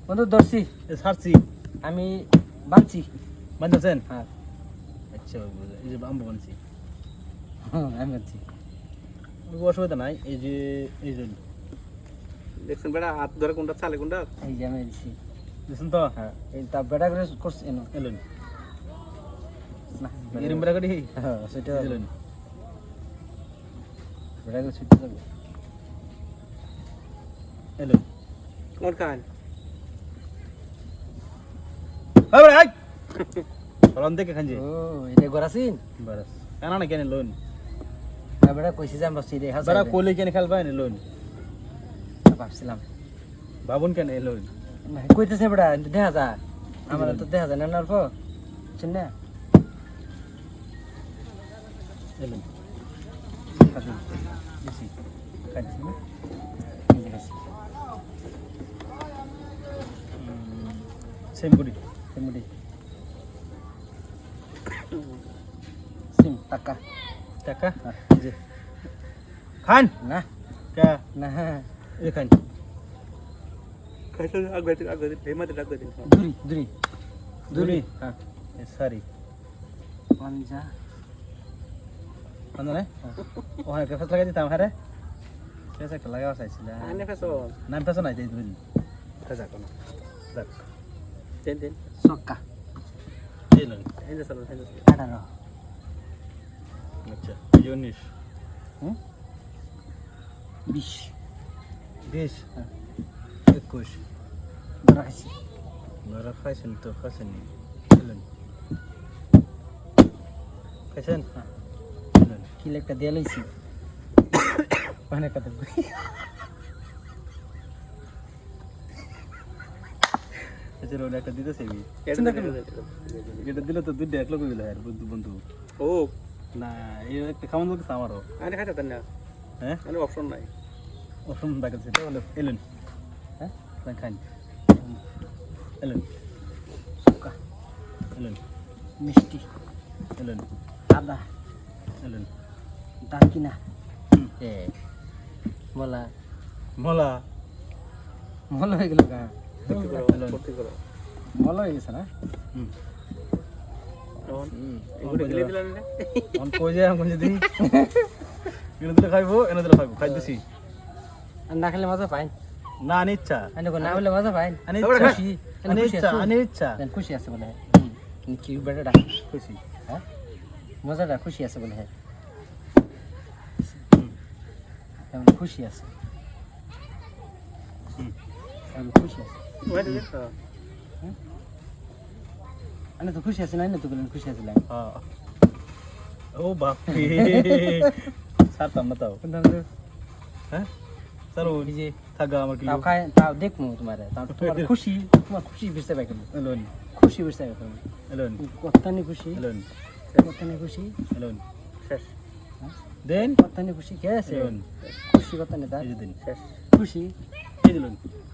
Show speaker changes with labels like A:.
A: বন্ধু ধরছি
B: ছাড়ছি
A: আমি বানছি
B: বানতেছেন
A: হ্যাঁ
B: আচ্ছা এই যে আম্ব বানছি
A: আমি বানছি
B: অসুবিধা নাই এই যে
C: দেখছেন বেটা হাত ধরে কোনটা চালে কোনটা
A: এই যে আমি দিছি
B: দেখছেন তো
A: হ্যাঁ এই তা বেটা করে করছি এনো
B: এলেন
A: না
B: এরম বেড়া করি
A: হ্যাঁ সেটা
B: এলেন
A: বেটা করে ছুটতে যাবে
B: এলেন
C: কোন কান
B: ভাই রন দেখে খাঞ্জি
A: ও এটা গরাসিন
B: বাস কানা না কেন লোন
A: বেটা কইছি যে আমরা সিরে হাসা
B: বেড়া কোলে কেন খেলবা না লোন
A: ভাবছিলাম
B: বাবুন কেন লোন
A: না কইতেছে বেটা দেখা যা আমার তো দেখা যায় না না অল্প শুন না
B: এলেন
A: দিছি খাইছি না দিছি
B: সেম করি
A: মুড়ি সিম টাকা
B: টাকা এই যে খান
A: না
B: কা
A: না
B: এই খান
C: খাইছে আগে হেমাতে ডাক দে
A: দুরি দুরি
B: দুরি
A: হ্যাঁ
B: সরি
A: পঞ্জা
B: আন্দা নাই ও হ্যাঁ ফেস লাগাই দিতাম হ্যাঁ রে ফেস একটা লাগাও চাইছিল
C: আনে ফেসো
B: নাম ফেস নাই দেই দুই
C: খাজা কোন
B: দেখ
C: দেন
A: সক্কা
B: এলেন
C: হেন্দে সালো
A: 18
B: আচ্ছা 19
A: হুম 20
B: 20
A: হ্যাঁ
B: 21
A: ধরাইছি
B: Bara খাইছেন তো খাইছেন এলেন খাইছেন
A: হ্যাঁ
B: এলেন
A: কি একটা দিয়ে লইছি
B: মানে কত আচ্ছা রোড একটা দিতেছে এটা দিলে তো দুইটা এক লোক গেল আর বন্ধু বন্ধু
C: ও
B: না এই একটা খাওয়ান বলতে আমারও
C: আনে খাইতে দেন না
B: হ্যাঁ
C: আনে অপশন নাই
B: অপশন দেখাচ্ছে তাহলে এলেন হ্যাঁ খান এলেন
A: সক্কা
B: এলেন
A: মিষ্টি
B: এলেন
A: আদা
B: এলেন
A: দারকিনা এ বলা
B: মলা
A: মলা হয়ে গেল কা
C: ভর্তি করো
A: মলা হয়ে গেছে না
B: হুম
C: তখন এগুলো গিলে দিলেন না
B: অন কই যায় আমি যদি এনে দিলে খাইবো এনে দিলে খাইবো খাই দিছি
A: আর না খেলে মজা পাই
B: না আনি ইচ্ছা
A: আনে না হলে মজা পাই
B: আনি
A: খুশি
B: আনি ইচ্ছা আনি ইচ্ছা
A: খুশি আছে বলে কি বেটাটা
B: খুশি
A: হ্যাঁ মজাটা খুশি আছে বলে হ্যাঁ তেমন খুশি আছে তেমন খুশি আছে
C: ওই দিন তো
A: আমি তো খুশি আছি না তো বলেন খুশি আছিলাম
B: হ্যাঁ ও বাপ রে সারতাম না তাও হ্যাঁ স্যার ওই যে থাকা আমার কি
A: তাও খাই তাও দেখমু তোমার তাও তোমার খুশি তোমার খুশি বুঝতে পাই কেন
B: এলেন
A: খুশি বুঝতে পাই কেন
B: এলেন
A: কত্তানি খুশি
B: এলেন
A: কত্তানি খুশি
B: এলেন
C: শেষ
B: দেন
A: কত্তানি খুশি কে আছে
B: এলেন
A: খুশি কত্তানি তার
B: এই যে দিন
C: শেষ
A: খুশি
B: এই দিলেন